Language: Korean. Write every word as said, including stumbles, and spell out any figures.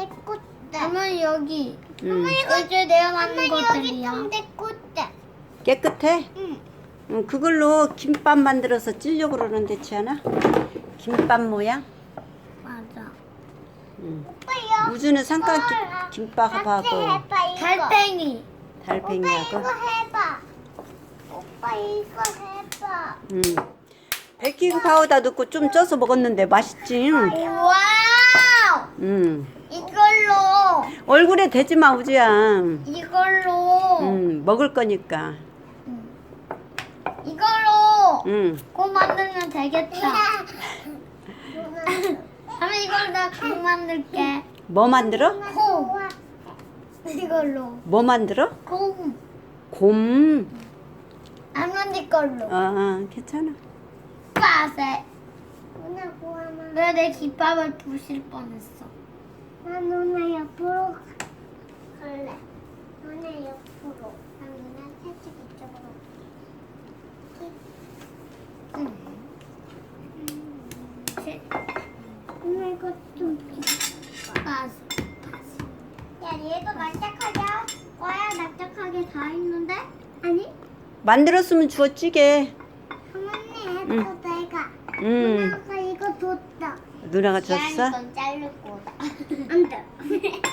내 꽃대. 엄마 여기. 음. 엄마 이거 이제 내가 만든 엄마 여기 것들이야. 좀내 꽃대. 깨끗해? 응. 응, 그걸로 김밥 만들어서 찌려고 그러는데 지않아? 김밥 모양? 맞아. 응. 오빠요. 우주는 삼각 김밥하고 같이 해봐 이거. 달팽이. 오빠 달팽이하고. 이거 해봐. 오빠 이거 해봐. 응. 베이킹 파우더 넣고 좀 쪄서 먹었는데 맛있지? 와우. 응. 이걸로. 얼굴에 대지 마 우주야. 이걸로. 응. 먹을 거니까. 이걸로. 응. 고 만들면 되겠다. 그러면 이걸 나고 만들게. 뭐 만들어? 콩. 이걸로. 뭐 만들어? 콩. 곰. 할머니 걸로. 어, 어 괜찮아. 빠세. 누나 고마워. 왜 내 김밥을 부실 뻔했어. 나 누나 옆으로 갈래. 누나 옆으로. 난 누나 살짝 이쪽으로. 누나 이거 좀. 빠세. 야 얘도 납작하자. 와야 납작하게 다 있는데? 아니? 만들었으면 주워 찌게. 어머니 해도 내가. 응. 누나가 이거 줬다. 누나가 줬어? 건 자를 거다. 안 돼.